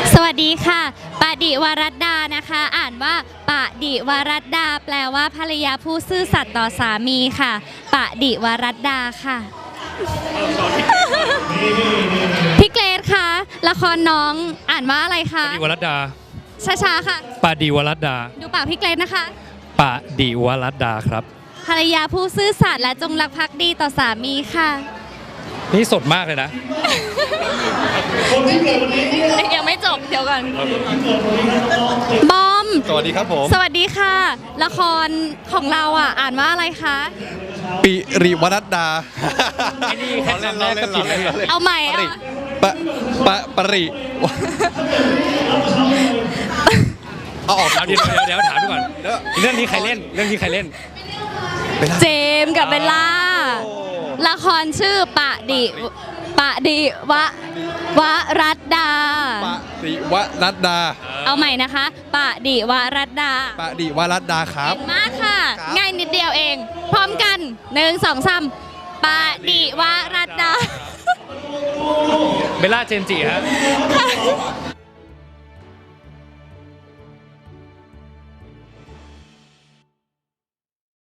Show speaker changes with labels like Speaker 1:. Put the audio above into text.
Speaker 1: สวัสดีค่ะปดิวรัตดานะคะ อ่านว่าปดิวรัตดาแปลว่าภรรยาผู้ซื่อสัตย์ต่อสามีค่ะปดิวรัตดาค่ะพี่เกรซคะละครน้องอ่านว่าอะไรคะ
Speaker 2: ปดิวรัตดา
Speaker 1: ช้าๆค่ะ
Speaker 2: ปดิวรัตดา
Speaker 1: ดูปากพี่เกรซนะคะ
Speaker 2: ปดิวรัตดาครับ
Speaker 1: ภรรยาผู้ซื่อสัตย์และจงรักภักดีต่อสามีค่ะ
Speaker 2: นี่สดมากเลยนะ
Speaker 1: ยังไม่จบเดี๋ยวก่อนบอม
Speaker 3: สวัสดีครับผม
Speaker 1: สวัสดีค่ะ ละครของเราอ่านว่าอะไรคะ
Speaker 3: ปิริวรัตดา
Speaker 2: ไอ้นี่แค่คำแรกก็ผิดแล้ว
Speaker 1: เอาใหม่
Speaker 3: ปริ
Speaker 1: อ่ะ
Speaker 3: ปริเอาออก
Speaker 2: เอาเดี๋ยวถามดูก่อน เรื่องนี้ใครเล่น เรื่องนี้ใครเล่น
Speaker 1: เจมส์กับเบลล่า ละครชื่อปดิวรัตดา
Speaker 3: ปริวรัตดา
Speaker 1: เอาใหม่นะคะปดิวรัตดา
Speaker 3: ปริวรัตดาครับ
Speaker 1: มากค่ะ
Speaker 3: ครับ
Speaker 1: ง่ายนิดเดียวเอง พร้อมกัน1 2 3ปดิวรัตดา
Speaker 2: เบลล่าเจนจิฮะ